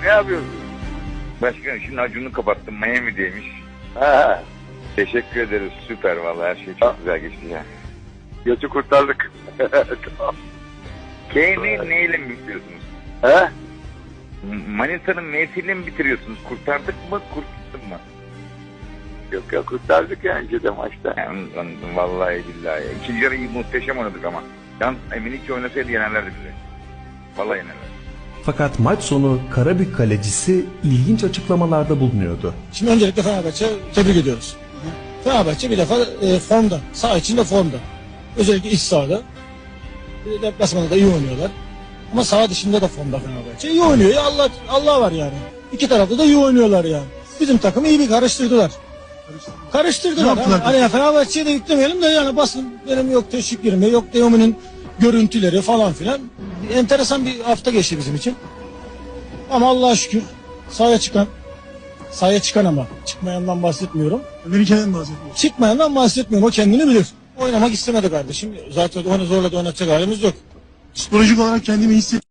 Ne yapıyorsun? Başkanım şimdi Acun'u kapattım. Miami'deymiş. Ha, Teşekkür ederiz. Süper vallahi her şey çok güzel geçti ya. götü kurtardık. Tamam. Neyle mi bitiriyorsunuz? He? Manisa'nın M'siyle mi bitiriyorsunuz? Kurtardık mı? Kurtulduk mu? Yok ya, kurtardık ya önce de maçta. Yani, vallahi billahi. İkinci yarı muhteşem oynadık ama. Yalnız Eminik oynasaydı yenerlerdi bizi. Vallahi yenerlerdi. Fakat maç sonu Karabük kalecisi ilginç açıklamalarda bulunuyordu. Şimdi öncelikle Fenerbahçe tebrik ediyoruz. Fenerbahçe bir defa formda, saha içinde formda. Özellikle iç sahada. Deplasmanda da iyi oynuyorlar. Ama saha dışında da formda Fenerbahçe. İyi oynuyor ya, Allah var yani. İki tarafta da iyi oynuyorlar yani. Bizim takımı iyi bir karıştırdılar. Karıştırdılar. Hani Fenerbahçe'ye de yüklemeyelim de yani basın benim yok teşviklerimi, yok Teoman'ın görüntüleri falan filan. Enteresan bir hafta geçti bizim için. Ama Allah'a şükür sahaya çıkan ama çıkmayandan bahsetmiyorum. Melike'den bahsediyoruz. Çıkmayandan bahsetmiyorum, o kendini bilir. Oynamak istemedi kardeşim. Zaten onu zorla da oynatacak halimiz yok. Psikolojik olarak kendimi hissettim.